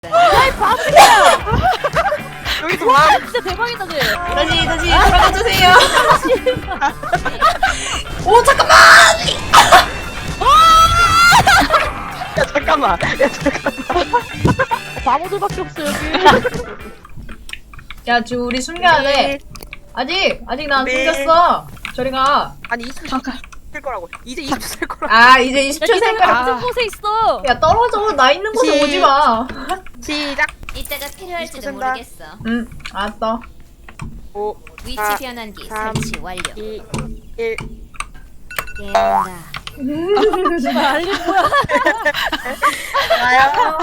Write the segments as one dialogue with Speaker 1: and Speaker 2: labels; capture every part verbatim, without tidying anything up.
Speaker 1: 아이 바보야!
Speaker 2: 여기서 와.
Speaker 1: 진짜 대박이다 쟤.
Speaker 3: 다시 다시 돌아가 주세요. 오 잠깐만.
Speaker 2: 야 잠깐만. 야 잠깐만.
Speaker 1: 바보들밖에 없어 여기.
Speaker 3: 야 지금 우리 숨겨야 돼. 아직 아직 나 안
Speaker 2: 네.
Speaker 3: 숨겼어. 저리 가.
Speaker 2: 아니 이십 초 살 거라고. 이제 이십 초 살 거라고.
Speaker 3: 아 이제 이십 초
Speaker 1: 야,
Speaker 3: 생
Speaker 1: 니네
Speaker 3: 거야.
Speaker 1: 같은 곳에 있어.
Speaker 3: 야 떨어져. 나 있는 곳에
Speaker 2: 시-
Speaker 3: 오지 마.
Speaker 2: 시작.
Speaker 4: 이따가 필요할지도
Speaker 2: 센다.
Speaker 4: 모르겠어.
Speaker 3: 응 알았어.
Speaker 2: 오,
Speaker 4: 위치
Speaker 2: 사,
Speaker 4: 변환기
Speaker 2: 삼,
Speaker 4: 설치 완료.
Speaker 2: 이, 일.
Speaker 4: 깨운다.
Speaker 1: 정말 알림 뭐야?
Speaker 2: 나야.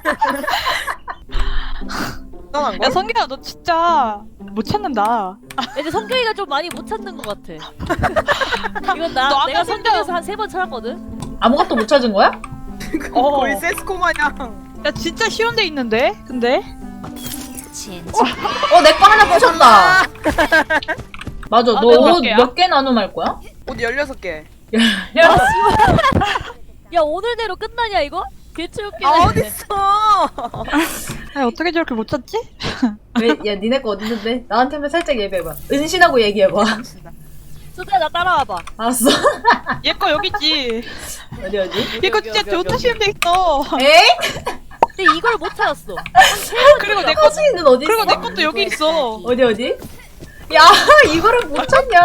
Speaker 2: 떠난
Speaker 5: 야
Speaker 2: 거?
Speaker 5: 성규야 너 진짜 못 찾는다.
Speaker 1: 이제 성경이가 좀 많이 못 찾는 것 같아. 이건 나
Speaker 5: 너 아까
Speaker 1: 내가
Speaker 5: 성경-
Speaker 1: 성경에서 한 세 번 찾았거든.
Speaker 3: 아무것도 못 찾은 거야?
Speaker 5: 어.
Speaker 2: 거의 세스코 마냥.
Speaker 5: 야 진짜 쉬운 데 있는데? 근데?
Speaker 4: 진짜.
Speaker 3: 어 내 거 하나 부셨다. 맞아.
Speaker 5: 아,
Speaker 3: 너
Speaker 5: 내가 몇
Speaker 3: 옷
Speaker 5: 개야?
Speaker 3: 몇 개 나눔할 거야?
Speaker 2: 옷 열여섯 개.
Speaker 3: 야,
Speaker 1: 야 오늘대로 끝나냐 이거? 개체웃기네.
Speaker 2: 아 어딨어?
Speaker 5: 아 어떻게 저렇게 못 찾지?
Speaker 3: 왜, 야 니네 거 어디 있는데? 나한테만 살짝 예배해봐. 은신하고 얘기해봐.
Speaker 1: 수대 나 따라와봐.
Speaker 3: 알았어.
Speaker 5: 얘 거 여기 있지.
Speaker 3: 어디 어디?
Speaker 5: 얘 거 진짜 못 찾으면 돼 있어.
Speaker 3: 에이?
Speaker 1: 근데 이걸 못 찾았어.
Speaker 5: 그리고 내 거,
Speaker 3: 커지는 어디 있어?
Speaker 5: 그리고 내 것도 여기 있어.
Speaker 3: 어디 어디? 야 이거를 못 찾냐?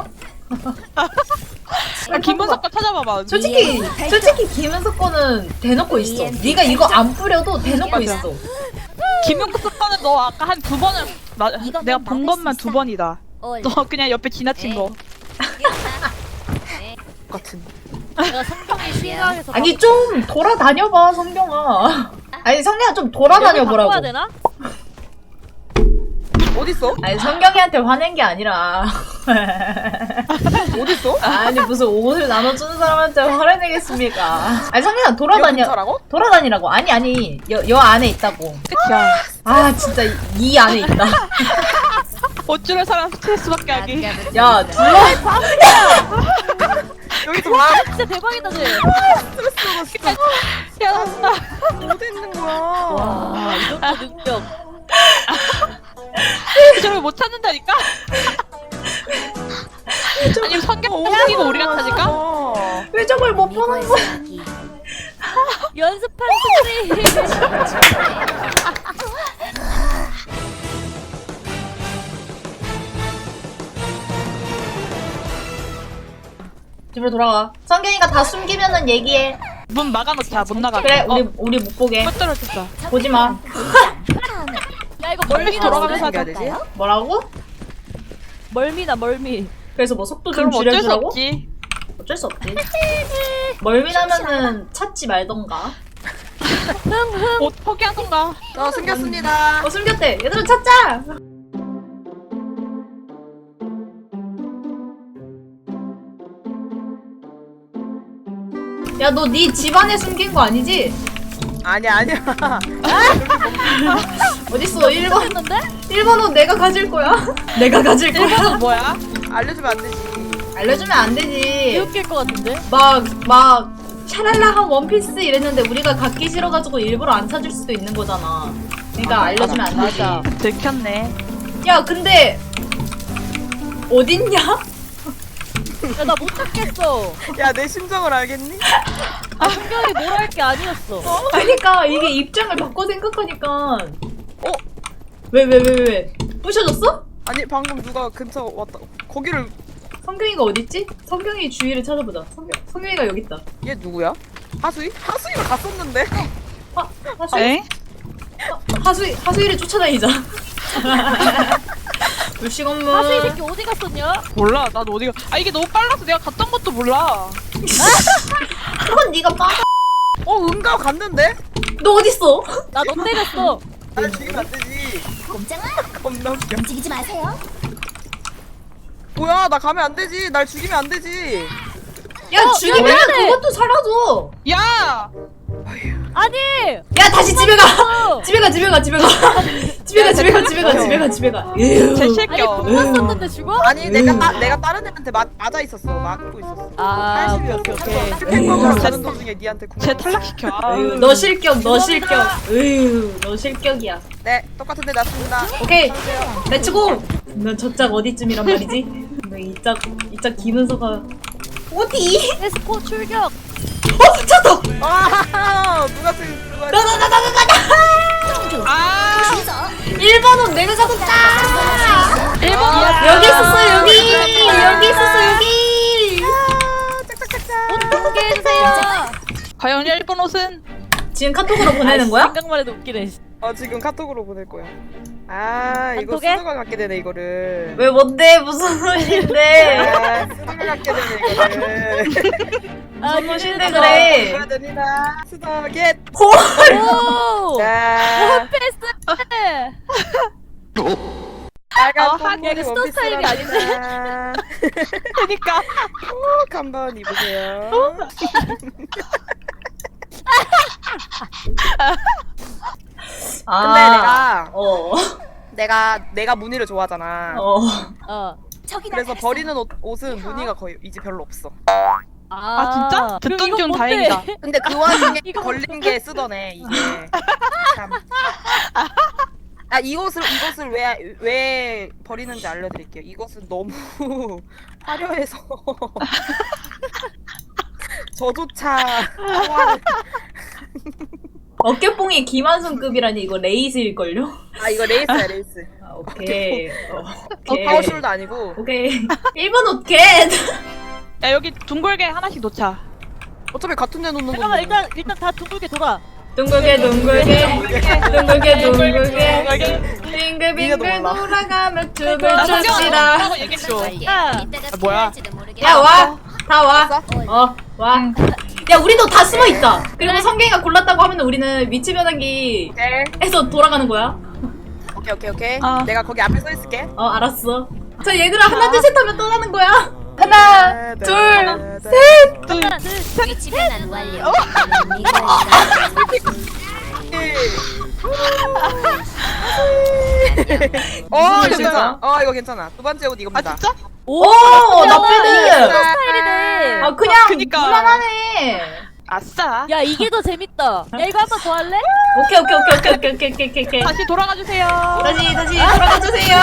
Speaker 5: 야 김은석 거 찾아봐봐.
Speaker 3: 솔직히 솔직히 김은석 거는 대놓고 있어. 네가 이거 안 뿌려도 대놓고
Speaker 5: 맞아.
Speaker 3: 있어.
Speaker 5: 김은석 거는 너 아까 한 두 번을 나,
Speaker 4: 이건
Speaker 5: 내가
Speaker 4: 넌
Speaker 5: 본
Speaker 4: 막을
Speaker 5: 것만
Speaker 4: 수
Speaker 5: 두
Speaker 4: 있어.
Speaker 5: 번이다.
Speaker 4: 올.
Speaker 5: 너 그냥 옆에 지나친 거.
Speaker 2: 같은.
Speaker 1: 내가 성경이 실망해서
Speaker 3: 아니 좀 돌아다녀봐 성경아. 아니 성경아 좀 돌아다녀 보라고.
Speaker 1: 바꿔야 되나?
Speaker 2: 어딨어?
Speaker 3: 아니 성경이한테 화낸 게 아니라.
Speaker 2: 어딨어?
Speaker 3: 아니 무슨 옷을 나눠주는 사람한테 화를 내겠습니까? 아니 성경아 돌아다녀.
Speaker 2: 근처라고?
Speaker 3: 돌아다니라고. 아니 아니 여, 여 안에 있다고.
Speaker 5: 끝이야.
Speaker 3: 아 진짜 이, 이 안에 있다.
Speaker 5: 어찌럴 사람 스트레스밖에 하기.
Speaker 3: 야 둘러.
Speaker 2: 여기서 와.
Speaker 1: 진짜 대박이다 쟤.
Speaker 2: 스트레스 받았어.
Speaker 5: 야 나
Speaker 2: 어디 있는 거야?
Speaker 1: 와 이 정도 능력.
Speaker 5: 저걸 못 찾는다니까? 아니 성경 옮기고 우리가 찾을까?
Speaker 2: 어.
Speaker 3: 왜 저걸 못 보는 거야?
Speaker 4: 미고의
Speaker 1: 연습한 소리.
Speaker 3: 집으로 돌아가. 성경이가 다 숨기면은 얘기해.
Speaker 5: 문 막아놓자. 못 나가게.
Speaker 3: 그래 우리
Speaker 5: 어,
Speaker 3: 우리 못 보게.
Speaker 5: 못 떨어졌어.
Speaker 3: 보지 마.
Speaker 1: 야 이거
Speaker 5: 멀리
Speaker 1: 멀미나
Speaker 5: 돌아가면서
Speaker 1: 소리.
Speaker 2: 해야 되지?
Speaker 3: 뭐라고?
Speaker 1: 멀미나 멀미.
Speaker 3: 그래서 뭐 속도 좀
Speaker 5: 그럼 어쩔 수
Speaker 3: 줄여주라고?
Speaker 5: 없지.
Speaker 3: 어쩔 수 없지. 멀미나면은 찾지 말던가.
Speaker 5: 옷 포기하던가.
Speaker 2: 저 숨겼습니다.
Speaker 3: 어 숨겼대. 얘들아 찾자. 야 너 네 집안에 숨긴 거 아니지?
Speaker 2: 아니야 아니야.
Speaker 3: 어딨어? 일 번
Speaker 1: 했는데?
Speaker 3: 일 번 옷 내가 가질 거야. 내가 가질 거야.
Speaker 5: 일본은 뭐야?
Speaker 2: 알려주면 안 되지.
Speaker 3: 알려주면 안 되지.
Speaker 1: 개웃길 것 같은데?
Speaker 3: 막 막 샤랄라한 원피스 이랬는데 우리가 갖기 싫어가지고 일부러 안 찾을 수도 있는 거잖아. 그러니까 알려주면 안 되지.
Speaker 1: 맞아.
Speaker 5: 들켰네.
Speaker 3: 야 근데 어딨냐?
Speaker 1: 야 나 못 찾겠어.
Speaker 2: 야 내 심정을 알겠니?
Speaker 1: 아 성경이 뭘 할 게 아니었어.
Speaker 3: 그러니까 이게 입장을 바꿔 생각하니까
Speaker 2: 어?
Speaker 3: 왜 왜 왜 왜 부셔졌어?
Speaker 2: 아니 방금 누가 근처 왔다. 거기를
Speaker 3: 성경이가 어딨지? 성경이 주위를 찾아보자. 성경 성경이가 여기 있다.
Speaker 2: 얘 누구야? 하수이? 하수이가 갔었는데.
Speaker 3: 하 하수이
Speaker 5: 에?
Speaker 3: 하수이 하수이를 쫓아다니자. 불식 업무.
Speaker 1: 사수 이 새끼 어디 갔었냐?
Speaker 5: 몰라. 나도 어디가. 아 이게 너무 빨라서 내가 갔던 것도 몰라.
Speaker 3: 그건 네가 빠.
Speaker 2: 어 은가 갔는데?
Speaker 3: 너 어딨어?
Speaker 1: 나 너 때렸어.
Speaker 2: 날 죽이면 안 되지.
Speaker 4: 꼼짝마.
Speaker 2: 겁나 웃겨.
Speaker 4: 움직이지 마세요.
Speaker 2: 뭐야 나 가면 안 되지. 날 죽이면 안 되지.
Speaker 3: 야
Speaker 1: 어,
Speaker 3: 죽이면
Speaker 1: 야, 왜
Speaker 3: 그것도 사라져.
Speaker 5: 야!
Speaker 1: 아니.
Speaker 3: 야 다시 집에 가.
Speaker 1: 어.
Speaker 3: 집에 가 집에 가 집에 가. 집에 가 집에 가 집에 가 집에 집에 가 집에 가. 에휴.
Speaker 5: 제
Speaker 1: 아니
Speaker 5: 실격.
Speaker 1: 공만 썼는데 죽어?
Speaker 2: 아니 내가 따, 내가 다른 애한테 맞, 맞아 있었어. 막고 있었어.
Speaker 1: 아 오케이
Speaker 2: 팔십이었어.
Speaker 1: 오케이.
Speaker 2: 킬팩먹으러
Speaker 3: 에이.
Speaker 2: 가는 도중에 니한테 궁.
Speaker 5: 제 탈락시켜.
Speaker 3: 에휴, 너 실격 너 실격. 에휴 너 실격이야.
Speaker 2: 네 똑같은데 났습니다.
Speaker 3: 오케이 렛츠고. 넌 저짝 어디쯤이란 말이지? 너 이짝 이짝 김은서가 어디?
Speaker 1: 에스코 출격.
Speaker 3: 어 찾다.
Speaker 2: 아 누가 쓴 누가.
Speaker 3: 나나나나나나.
Speaker 5: 아,
Speaker 3: 일 번 옷 내가 잡았다.
Speaker 5: 일본
Speaker 3: 여기 있었어 여기 여기 있었어 여기.
Speaker 2: 짝짝짝짝.
Speaker 1: 공개해주세요.
Speaker 5: 과연 일본 옷은?
Speaker 3: 지금 카톡으로 보내는 거야?
Speaker 1: 생각만 해도 웃기네.
Speaker 2: 어 지금 카톡으로 보낼 거야. 아 이거
Speaker 1: 카톡에?
Speaker 2: 수능을 갖게 되네 이거를.
Speaker 3: 왜 뭔데 무슨 옷인데?
Speaker 2: 아 수능을 갖게 되네 이거를.
Speaker 1: 아
Speaker 3: 무슨 옷인데
Speaker 1: 이거
Speaker 3: 그래?
Speaker 2: 뭐가 됩니다. 수덕겟.
Speaker 1: 오.
Speaker 2: 자
Speaker 1: 패스.
Speaker 2: 빨간
Speaker 5: 어,
Speaker 2: 뽕머리
Speaker 1: 하긴 스타 스타일이
Speaker 2: 원피스랍니다.
Speaker 5: 그니까.
Speaker 2: 꼭 한번 입으세요.
Speaker 3: 아,
Speaker 2: 근데 내가
Speaker 3: 어.
Speaker 2: 내가 내가 무늬를 좋아하잖아.
Speaker 3: 어.
Speaker 1: 어.
Speaker 4: 저기
Speaker 2: 그래서
Speaker 4: 나갔어.
Speaker 2: 버리는 옷, 옷은 무늬가 거의 이제 별로 없어.
Speaker 5: 아, 진짜?
Speaker 1: 그럼
Speaker 5: 듣던
Speaker 1: 이건
Speaker 5: 중
Speaker 1: 뭔데?
Speaker 5: 다행이다.
Speaker 2: 근데 그 와중에
Speaker 1: 이거
Speaker 2: 걸린 게 쓰더네 이게. 참. 아 이것을 이것을 왜 왜 버리는지 알려드릴게요. 이것은 너무 화려해서 저조차 화를-
Speaker 3: 어깨뽕이 김한순급이라니 이거 레이스일걸요?
Speaker 2: 아 이거 레이스야 레이스.
Speaker 3: 아, 오케이. 어,
Speaker 2: 어,
Speaker 3: 오케이.
Speaker 2: 파워숄도 아니고.
Speaker 3: 오케이. 일 번 옷 겟!
Speaker 5: 야, 여기 둥글게 하나씩 놓자.
Speaker 2: 어차피 같은 데 놓는
Speaker 1: 잠깐만
Speaker 2: 건데.
Speaker 1: 일단 일단 다 둥글게 돌아.
Speaker 3: 둥글게 둥글게 둥글게 둥글게 빙글빙글
Speaker 2: 몰라.
Speaker 3: 돌아가며 춤을
Speaker 5: 나
Speaker 3: 춥시다.
Speaker 5: 성경하라고 얘기했죠.
Speaker 1: 야.
Speaker 4: 이따가
Speaker 5: 아, 뭐야?
Speaker 4: 필요할지도 모르겠어.
Speaker 3: 야 와! 다 와! 어 와! 야 우리도 다 숨어있자! 그리고 성경이가 골랐다고 하면 우리는 위치 변환기에서
Speaker 2: 오케이
Speaker 3: 돌아가는 거야.
Speaker 2: 오케이 오케이 오케이.
Speaker 5: 아.
Speaker 2: 내가 거기 앞에 서 있을게.
Speaker 3: 어 알았어. 자 얘들아 하나 둘 셋 하면 떠나는 거야. 하나 둘 셋!
Speaker 1: 하나 둘 셋.
Speaker 4: 위치 변환 완료.
Speaker 2: 어? 어
Speaker 3: 무슨
Speaker 2: 괜찮아. 어 이거 괜찮아. 두 번째 옷
Speaker 5: 아,
Speaker 2: 이겁니다.
Speaker 5: 진짜?
Speaker 3: 오! 나쁘네!
Speaker 1: 스타일이네.
Speaker 3: 아 그냥
Speaker 5: 그니까.
Speaker 3: 무난하네.
Speaker 5: 아싸.
Speaker 1: 야 이게 더 재밌다. 야 이거 한 번 더 할래?
Speaker 3: 오케이 오케이 오케이 오케이 오케이 오케이 오케이 오케이.
Speaker 5: 다시 돌아가 주세요.
Speaker 3: 다시 다시 돌아가 주세요.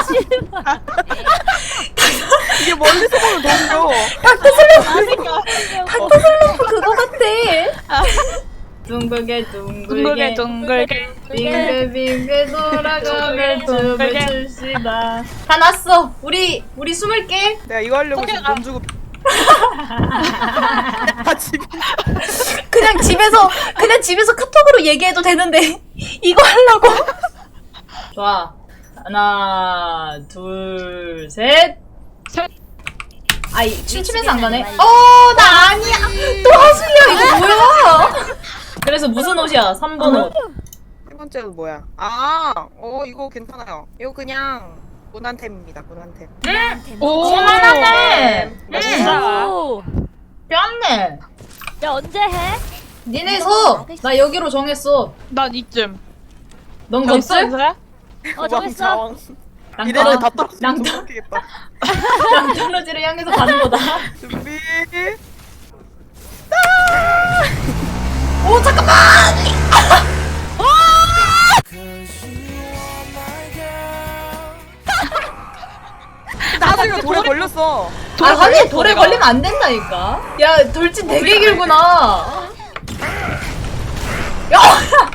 Speaker 2: 이게 멀리서 보면 너무 귀여워.
Speaker 3: 그거 같아. 둥글게
Speaker 5: 둥글게
Speaker 3: 둥글게
Speaker 5: 둥글게.
Speaker 3: 빙글빙글 돌아가며 춤을
Speaker 5: 둥글게.
Speaker 3: 춥시다. 다 났어. 우리 우리 숨을게.
Speaker 2: 내가 이거 하려고 지금
Speaker 5: 성경아.
Speaker 2: 돈 주고. 아 집에.
Speaker 3: 그냥 집에서 그냥 집에서 카톡으로 얘기해도 되는데 이거 하려고. 좋아. 하나 둘 셋.
Speaker 5: 셋.
Speaker 3: 아이 춤추면서 안 가네. 어 나 아니야. 또 하수야 이거 뭐야? 그래서 무슨 옷이야? 삼 번 옷.
Speaker 2: 세 번째 옷 뭐야? 아, 어 이거 괜찮아요. 이거 그냥 무난템입니다. 무난템.
Speaker 5: 오.
Speaker 3: 무난하네.
Speaker 5: 아싸.
Speaker 1: 오.
Speaker 3: 뺨네.
Speaker 1: 야 언제 해?
Speaker 3: 니네 서. 나 여기로 정했어.
Speaker 5: 난 이쯤.
Speaker 3: 넌
Speaker 5: 정했어,
Speaker 3: 거쓸?
Speaker 5: 인서야?
Speaker 1: 어 정했어.
Speaker 3: 랑
Speaker 2: 이래는 다
Speaker 3: 떨어
Speaker 2: 떨어지면
Speaker 3: 랑
Speaker 2: 너무
Speaker 3: 떨어
Speaker 2: 웃기겠다.
Speaker 3: 랑 떨어지를 향해서 가는 거다.
Speaker 2: 준비.
Speaker 3: 오 잠깐만.
Speaker 2: 나중에 돌에 걸렸어.
Speaker 3: 아 하긴 돌에 걸리면 안 된다니까. 야 돌진 되게 길구나. 야.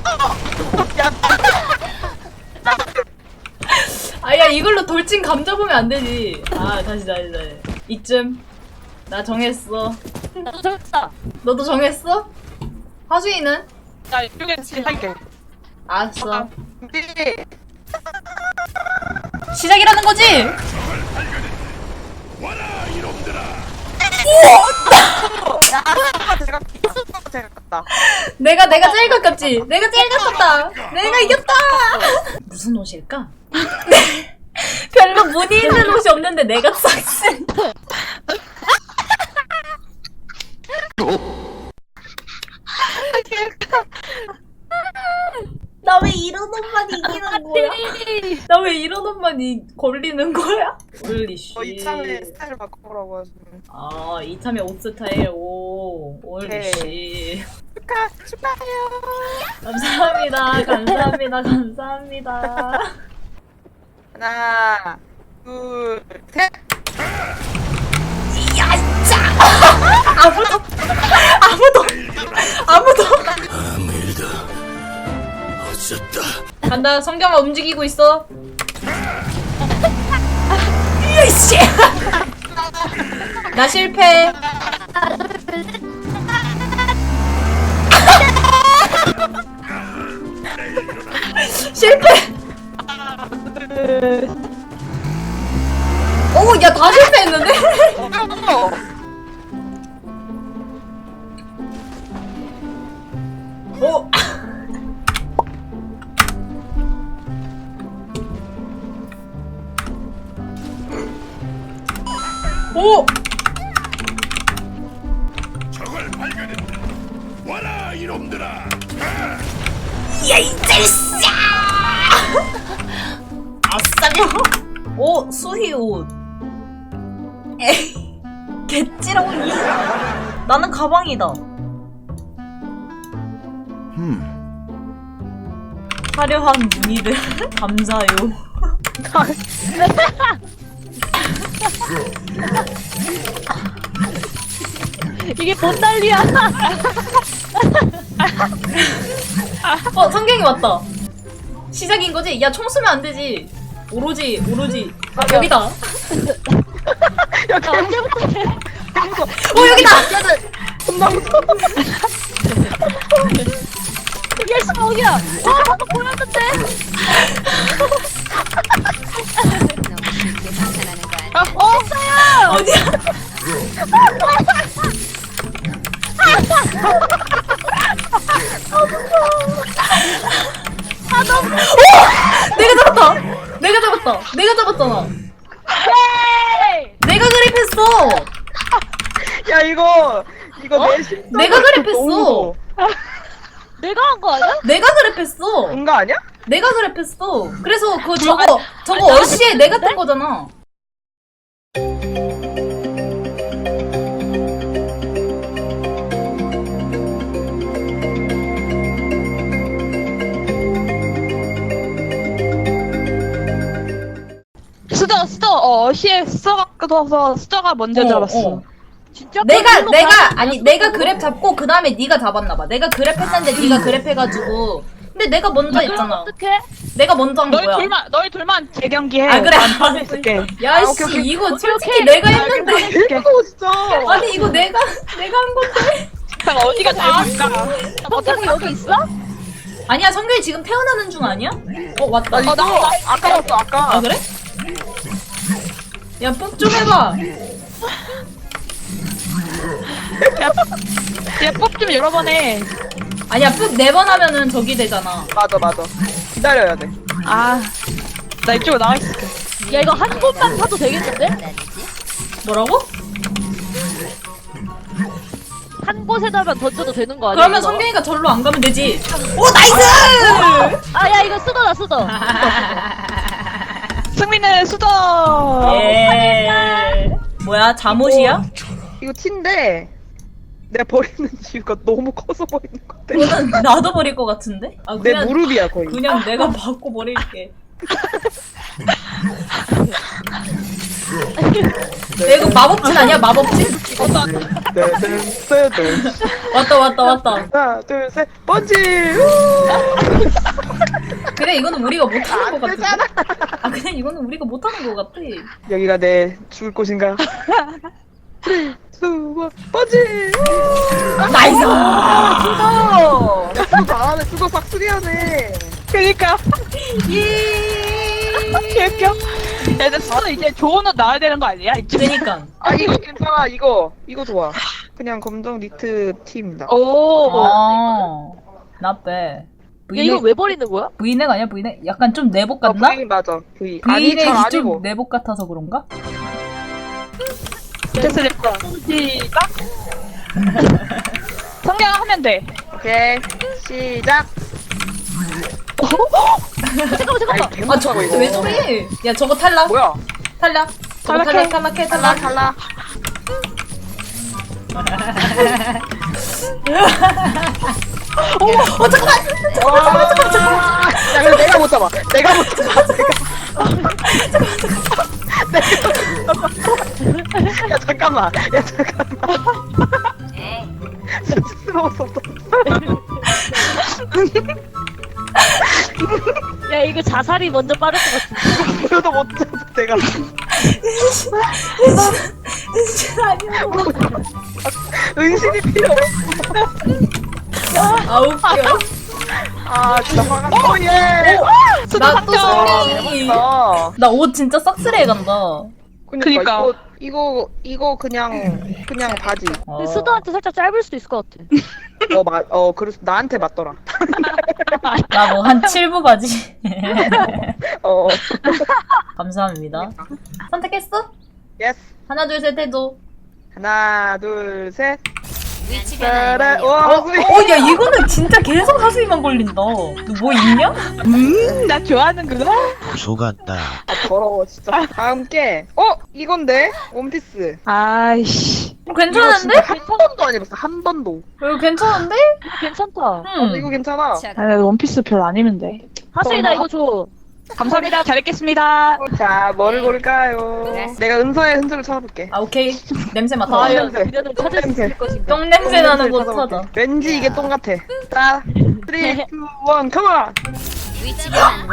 Speaker 3: 아야 이걸로 돌진 감 잡으면 안 되지. 아 다시 다시 다시. 이쯤 나 정했어.
Speaker 1: 나도 정했다.
Speaker 3: 너도 정했어? 하수이는?
Speaker 5: 나 이쪽에 할게.
Speaker 3: 알았어.
Speaker 2: 준비.
Speaker 3: 시작이라는 거지?
Speaker 2: 야, 제가 제가 갔다.
Speaker 3: 내가 내가 제일 가깝지. 내가 제일 가깝다. 내가 이겼다. 무슨 옷일까? 별로 무늬 있는 옷이 없는데 내가 싹쓸. 나 왜 이런 옷만 이기는 거야? 나 왜 이런 옷만 이, 걸리는 거야? 올리씨.
Speaker 2: 어, 이참에 스타일 바꿔보라고 하시네.
Speaker 3: 아, 이참에 옷 스타일. 오, 올리씨.
Speaker 2: 축하 축하해요.
Speaker 3: 감사합니다. 감사합니다. 감사합니다.
Speaker 2: 하나, 둘, 셋.
Speaker 3: 야짜! 아무도 아무도 아무도
Speaker 6: 아무 일도 없었다.
Speaker 3: 간다. 성경아 움직이고 있어. 이씨. 나 실패. 실패. 오, 야, 다 실패했는데? 오. 오.
Speaker 6: 적을 발견했다. 와라 이놈들아.
Speaker 3: 야, 이 자식아! 아싸려. 오, 수희 옷. 에이, 개찌렁이. 나는 가방이다. 화려한 무늬를 감사요.
Speaker 1: 이게 뭔 난리야?
Speaker 3: 어, 성경이 왔다. 시작인 거지? 야, 총 쏘면 안 되지. 오로지, 오로지. 아, 여기다. 어,
Speaker 2: 야, 개무서워.
Speaker 3: 여기다!
Speaker 2: 겁나 무서워.
Speaker 1: 이게 시작이야. 와, 방금 보였는데.
Speaker 4: 너무 쉽게 방탄하는 거 아니야?
Speaker 5: 어?
Speaker 3: 어디야? 아, 너무. 오! 내가 잡았다! 내가 잡았다! 내가 잡았잖아! 내가 그립했어!
Speaker 2: 야, 이거 이거 내 심.
Speaker 3: 내가 그립했어!
Speaker 1: 내가 한 거 아니야?
Speaker 3: 내가 그립했어!
Speaker 2: 뭔가 아니야?
Speaker 3: 내가 그랩했어. 그래서 그 저거 저거 어시에 내가 뜬 거잖아.
Speaker 5: 스저 스저 어 시에 스저가 떠서 스저가 먼저
Speaker 3: 어,
Speaker 5: 잡았어.
Speaker 3: 어.
Speaker 1: 진짜?
Speaker 3: 내가
Speaker 1: 그걸로
Speaker 3: 내가
Speaker 1: 가는
Speaker 3: 아니
Speaker 1: 거야?
Speaker 3: 내가 그랩 잡고 그 다음에 네가 잡았나 봐. 내가 그랩했는데 네가 그랩해가지고. 근데 내가 먼저
Speaker 1: 그럼
Speaker 3: 했잖아.
Speaker 1: 어떡해?
Speaker 3: 내가 먼저 한
Speaker 5: 너희
Speaker 3: 거야.
Speaker 5: 둘만 너희 둘만 재경기해.
Speaker 3: 아, 그래.
Speaker 5: 난 빠져 있을게.
Speaker 3: 야씨 이거 솔직히 내가 했는데.
Speaker 2: 개 무서워 진짜.
Speaker 3: 아니 이거 내가 내가 한 건데.
Speaker 5: 잠깐 어디가 잘못일까?
Speaker 1: 성경이 여기 있어?
Speaker 3: 아니야 성균이 지금 태어나는 중 아니야? 어 왔다.
Speaker 2: 나 이거 아까 왔어 아까.
Speaker 3: 아 그래? 야 뽀 좀 해봐.
Speaker 5: 얘뽑좀 여러 번 해.
Speaker 3: 아니야 푹 네 번 하면은 저기 되잖아.
Speaker 2: 맞아 맞아. 기다려야 돼.
Speaker 5: 아, 나 이쪽으로 나와 있을게.
Speaker 1: 야, 이거 한 곳만 사도 되겠는데?
Speaker 3: 뭐라고?
Speaker 1: 한 곳에다만 던져도 되는 거 아니야?
Speaker 3: 그러면
Speaker 1: 이거?
Speaker 3: 성경이가 절로 안 가면 되지. 오 나이스!
Speaker 1: 아, 야, 이거 쓰더라, 쓰더.
Speaker 5: 승민은 수저.
Speaker 3: 예. 뭐야 잠옷이야?
Speaker 2: 이거 티인데 내가 버리는 이유가 너무 커서 버리는 것 같아.
Speaker 3: 이거는 나도 버릴 것 같은데? 아
Speaker 2: 내
Speaker 3: 그냥
Speaker 2: 무릎이야 거의.
Speaker 3: 그냥 내가 받고 버릴게. 야, 이거 마법진 아니야 마법진?
Speaker 2: 네, 네, 네.
Speaker 3: 왔다 왔다 왔다.
Speaker 2: 하나 둘 셋 번지.
Speaker 3: 그래 이거는 우리가 못하는
Speaker 2: 안
Speaker 3: 것 같은데?
Speaker 2: 되잖아.
Speaker 3: 아 그냥 이거는 우리가 못하는 것 같아.
Speaker 2: 여기가 내 죽을 곳인가? 쓰리, 투, 원, 번지.
Speaker 3: 나이스!
Speaker 2: 수고. 수고 잘하네. 수고 싹쓸이하네.
Speaker 5: 그니까.
Speaker 3: 예.
Speaker 5: 개웃겨. 야, 근데 수저 이제 좋은 옷 나와야 되는 거 아니야? 이제.
Speaker 3: 그니까.
Speaker 2: 아 이거 괜찮아. 이거 이거 좋아. 그냥 검정 니트 티입니다.
Speaker 5: 오.
Speaker 3: 아, not bad.
Speaker 1: 야, 이거 왜 버리는 거야?
Speaker 3: 브이넥 아니야 브이넥? 약간 좀 내복
Speaker 2: 어,
Speaker 3: 같나?
Speaker 2: V 맞아. V. 아니 잘
Speaker 3: 브이넥이 좀
Speaker 2: 아니고.
Speaker 3: 내복 같아서 그런가?
Speaker 5: 됐어 됐어. 시작. 성경 하면 돼.
Speaker 2: 오케이 시작.
Speaker 1: 잠깐만 잠깐만.
Speaker 3: 아 저거 왜 저래? 야 저거 탈락.
Speaker 2: 뭐야?
Speaker 3: 탈락. 저거 탈락 탈락해
Speaker 2: 달라
Speaker 3: 탈락.
Speaker 2: 달라.
Speaker 3: 어 잠깐만.
Speaker 2: 잠깐만 잠깐만 잠깐만. 야 근데 내가 못 잡아. 내가 못 잡아. 내가. 야 잠깐만. 야 잠깐만. 진짜 먹었어.
Speaker 1: 야 이거 자살이 먼저 빠를 것 같은데.
Speaker 2: 그래도 못 잡아 내가.
Speaker 3: 은신 아니야.
Speaker 2: 은신이 필요 없어.
Speaker 3: 아 웃겨.
Speaker 2: 아 진짜 화가 나. 오 예.
Speaker 3: 나또 승리.
Speaker 2: 아.
Speaker 3: 나 옷 진짜 싹쓸이해 간다.
Speaker 2: 그니까 이거 이거 이거 그냥 그냥 바지.
Speaker 3: 어.
Speaker 1: 수도한테 살짝 짧을 수도 있을 것 같아.
Speaker 2: 어 맞 어 그래서 나한테 맞더라.
Speaker 3: 나 뭐 한 칠 부 바지.
Speaker 2: 어.
Speaker 3: 감사합니다. 선택했어?
Speaker 2: 예스.
Speaker 3: 하나 둘 셋 해도.
Speaker 2: 하나 둘 셋.
Speaker 4: 위치가
Speaker 2: 따라.
Speaker 4: 나오네요.
Speaker 2: 와.
Speaker 3: 어, 야 이거는 진짜 계속 하수이만 걸린다. 너 뭐 있냐?
Speaker 5: 음, 나 좋아하는구나.
Speaker 6: 속았다.
Speaker 2: 아 더러워 진짜. 다음 게 어 이건데 원피스.
Speaker 5: 아이씨.
Speaker 3: 어, 괜찮은데?
Speaker 2: 이거 진짜 한 번도 안 입었어 한 번도.
Speaker 3: 이거 괜찮은데?
Speaker 1: 괜찮다.
Speaker 2: 어
Speaker 3: 응.
Speaker 2: 이거 괜찮아.
Speaker 4: 자,
Speaker 5: 아, 원피스 별로 안 입는데.
Speaker 1: 하수이 나 이거 줘.
Speaker 5: 감사합니다. 잘 입겠습니다.
Speaker 2: 자 뭘 고를까요?
Speaker 4: 네.
Speaker 2: 내가 은서의 흔적을 찾아볼게.
Speaker 3: 아 오케이. 냄새 맡아.
Speaker 1: 과연
Speaker 2: 냄새.
Speaker 1: 그녀는 찾을 수
Speaker 2: 냄새.
Speaker 1: 있을 것인가?
Speaker 3: 똥 냄새 나는 곳
Speaker 2: 찾아볼게.
Speaker 3: 찾아.
Speaker 2: 왠지 이게 똥 같아. 자, 삼, 이, 일, 컴온!
Speaker 4: 위치가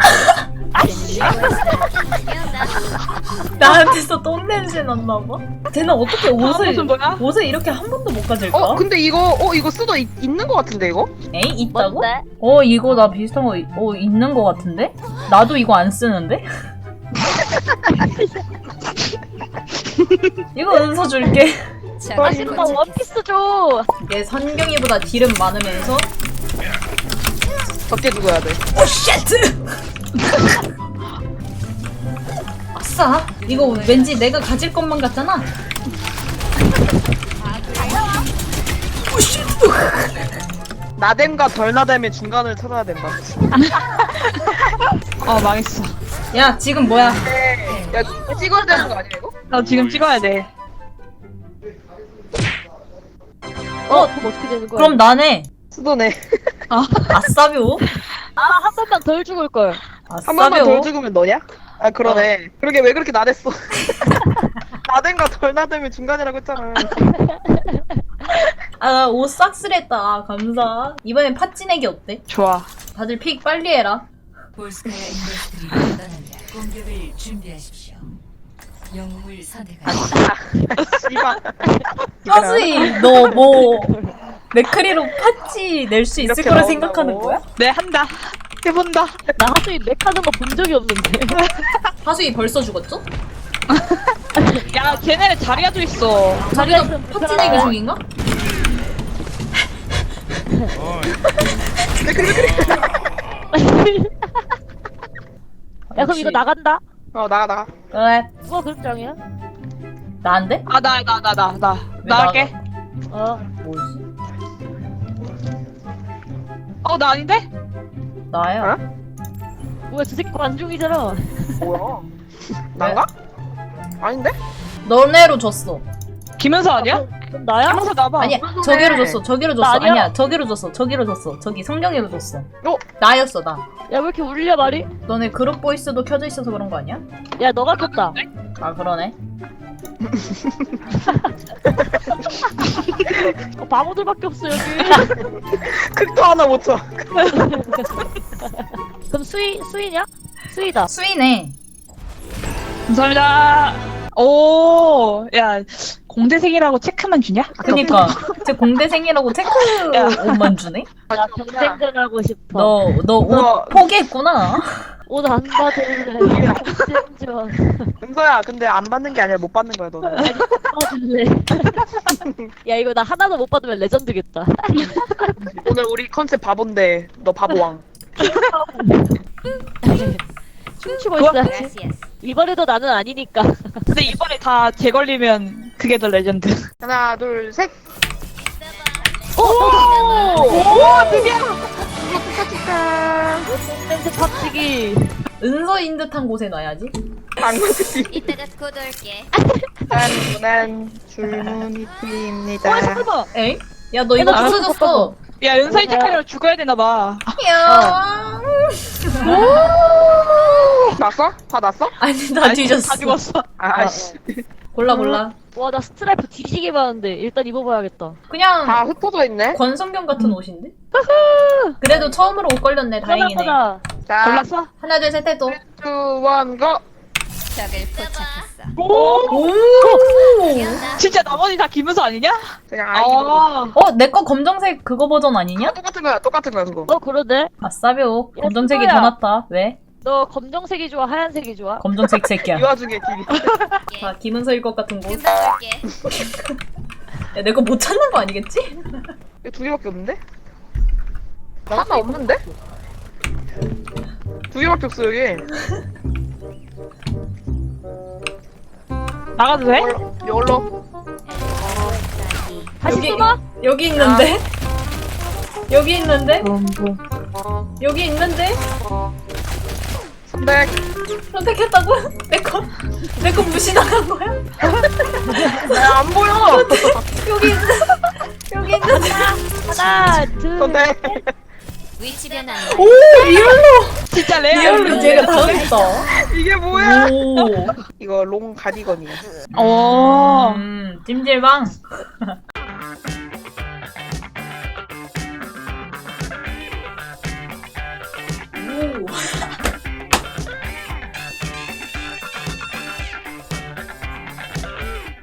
Speaker 3: 나한테서 똥 냄새 났나 봐. 쟤는 어떻게 옷을
Speaker 5: 옷은 뭐야?
Speaker 3: 옷을 이렇게 한 번도 못 가질까?
Speaker 2: 어, 근데 이거, 어, 이거 수도 있, 있는 거 같은데, 이거?
Speaker 3: 에이 있다고?
Speaker 1: 뭔데?
Speaker 3: 어 이거 나 비슷한 거 이- 어 있는 거 같은데? 나도 이거 안 쓰는데? 이거 은서 줄게.
Speaker 1: 아 싫다 원피스 줘.
Speaker 3: 얘 선경이보다 딜은 많으면서
Speaker 2: 적게 죽어야 돼.
Speaker 3: 오 쉣! 아싸! 이거 왠지 내가 가질 것만 같잖아. 오 쉣!
Speaker 2: 나댐과 덜 나댐의 중간을 찾아야 된다.
Speaker 5: 어, 망했어.
Speaker 3: 야 지금 뭐야?
Speaker 2: 네. 야, 찍어야 되는 거 아니야, 이거?
Speaker 5: 나 지금 찍어야 돼.
Speaker 1: 어 그럼 어떻게 되는 거야?
Speaker 3: 그럼 나네.
Speaker 2: 수도네.
Speaker 3: 아싸비오?
Speaker 1: 아한 번만 덜 죽을 걸.
Speaker 2: 한 번만 덜
Speaker 3: 아싸비오?
Speaker 2: 죽으면 너냐? 아, 그러네. 그러게 왜 그렇게 나댔어? 나댐과 덜 나댐의 중간이라고 했잖아.
Speaker 3: 아 옷 싹쓸했다. 아, 감사. 이번엔 팥찌내기 어때?
Speaker 5: 좋아.
Speaker 3: 다들 픽 빨리 해라.
Speaker 7: 볼스카야 인더스트리를 떠납니다. 공격을 준비하십시오. 영웅을 선택하십시오.
Speaker 2: 씨발.
Speaker 3: 하수이 너 뭐 맥크리로 팥찌 낼 수 있을
Speaker 2: 이렇게
Speaker 3: 거라
Speaker 2: 나온다고?
Speaker 3: 생각하는 거야?
Speaker 5: 네, 한다. 해본다.
Speaker 1: 나 하수이 맥 하는 거 본 적이 없는데.
Speaker 3: 하수이 벌써 죽었죠?
Speaker 5: 야, 걔네 자리야도 있어.
Speaker 3: 자리가
Speaker 1: 있으면
Speaker 3: 팥찌 내기 중인가?
Speaker 1: 야 그럼 이거 나간다.
Speaker 2: 어, 나가, 나가.
Speaker 3: 그래
Speaker 1: 누가 그룹장이야?
Speaker 3: 나한테?
Speaker 5: 아, 나, 나, 나, 나, 나.
Speaker 3: 왜
Speaker 5: 나갈게.
Speaker 1: 어
Speaker 3: 뭐지?
Speaker 5: 어, 나 아닌데?
Speaker 3: 나야.
Speaker 2: 어?
Speaker 1: 뭐야 저 새끼 관중이잖아.
Speaker 2: 뭐야? 난가? 아닌데?
Speaker 3: 너네로 줬어.
Speaker 5: 김은서 아니야?
Speaker 1: 그럼 나야?
Speaker 5: 김은서 나봐.
Speaker 3: 아니야 저기로 줬어. 저기로 줬어.
Speaker 1: 나 아니야?
Speaker 3: 아니야 저기로 줬어. 저기로 줬어. 저기 성경이로 줬어.
Speaker 2: 어?
Speaker 3: 나였어 나.
Speaker 1: 야 왜 이렇게 울려 말이?
Speaker 3: 너네 그룹 보이스도 켜져 있어서 그런 거 아니야?
Speaker 1: 야 너가 켰다.
Speaker 3: 아 그러네.
Speaker 1: 어, 바보들밖에 없어 여기.
Speaker 2: 극도 하나 못 쳐.
Speaker 1: 그럼 수이 수이냐? 수이다.
Speaker 3: 수이네.
Speaker 5: 감사합니다. 오, 야, 공대생이라고 체크만 주냐?
Speaker 3: 그니까 제 공대생이라고 체크
Speaker 5: 야.
Speaker 3: 옷만 주네.
Speaker 1: 나 경쟁전 하고 싶어.
Speaker 3: 너 너 옷
Speaker 2: 너-
Speaker 3: 포기했구나.
Speaker 1: 옷 안 받을래. 경쟁전.
Speaker 2: 은서야, 근데 안 받는 게 아니라 못 받는 거야, 너는.
Speaker 1: 받을래. 야 이거 나 하나도 못 받으면 레전드겠다.
Speaker 2: 오늘 우리 컨셉 바본데, 너 바보왕.
Speaker 1: 춤추고
Speaker 5: 그거-
Speaker 1: 있어야지.
Speaker 4: gracias.
Speaker 1: 이번에도 나는 아니니까.
Speaker 5: 근데 이번에 다 재걸리면 그게 더 레전드.
Speaker 2: 하나, 둘, 셋.
Speaker 1: 오!
Speaker 2: 오, 드디어! 치카.
Speaker 1: 냄새 팝치기.
Speaker 3: 은서인 듯한 곳에 놔야지.
Speaker 2: 방구지.
Speaker 4: 이따가 곧 올게.
Speaker 2: 난 줄무늬 팀입니다.
Speaker 5: 와 잠깐만.
Speaker 3: 에이? 야, 너 이거
Speaker 1: 나
Speaker 3: 부서졌어.
Speaker 5: 야 연사이 체크하려면 죽어야 되나봐.
Speaker 3: 야.
Speaker 2: 났어? 다 났어?
Speaker 3: 아니, 나 뒤졌어.
Speaker 5: 다 죽었어.
Speaker 2: 아씨.
Speaker 3: 골라, 골라.
Speaker 1: 와, 나 스트라이프 뒤지게 많은데 일단 입어봐야겠다.
Speaker 3: 그냥
Speaker 2: 다 흩어져 있네.
Speaker 3: 권성경 같은 옷인데? 그래도 처음으로 옷 걸렸네. 다행이네.
Speaker 1: 하나,
Speaker 2: 자,
Speaker 5: 골랐어?
Speaker 3: 하나, 둘, 셋 해도.
Speaker 2: 투, 원, 고.
Speaker 4: 적을 포착했어.
Speaker 3: 오!
Speaker 5: 진짜 나머지 다 김은서 아니냐?
Speaker 2: 그냥 아이로.
Speaker 5: 아.
Speaker 3: 어, 내 거 검정색 그거 버전 아니냐?
Speaker 2: 똑같은 거야, 똑같은 거야 그거.
Speaker 1: 어, 그러네.
Speaker 3: 아싸벼.
Speaker 1: 야,
Speaker 3: 검정색이
Speaker 1: 그거야.
Speaker 3: 더 낫다. 왜?
Speaker 1: 너 검정색이 좋아, 하얀색이 좋아?
Speaker 3: 검정색
Speaker 2: 이
Speaker 3: 새끼야.
Speaker 2: 와중에 딜이.
Speaker 3: 자, 김은서일 것 같은 곳.
Speaker 4: 금방 올게.
Speaker 3: 야, 내 거 못 찾는 거 아니겠지?
Speaker 2: 이거 두 개밖에 없는데? 하나 없는데? 두 개밖에 없어 여기.
Speaker 5: 나가도 돼?
Speaker 2: 이걸로. 이걸로.
Speaker 1: 다시
Speaker 3: 여기-
Speaker 1: 써봐?
Speaker 3: 여기 있는데? 여기 있는데? 여기 있는데?
Speaker 2: 선백.
Speaker 3: 선택했다고? 내 거, 내 거 무시 나간 거야?
Speaker 2: 야, 안 보여.
Speaker 3: 여기 있는, 여기 있는데?
Speaker 1: 하나, 둘,
Speaker 2: 선백.
Speaker 4: 위치 변환.
Speaker 3: 오, 리얼로!
Speaker 5: 진짜 레알.
Speaker 3: 리얼로 제가 당했다.
Speaker 2: 이게 뭐야?
Speaker 3: 오.
Speaker 2: 이거 롱 가디건이야.
Speaker 5: 어.
Speaker 3: 음, 찜질방.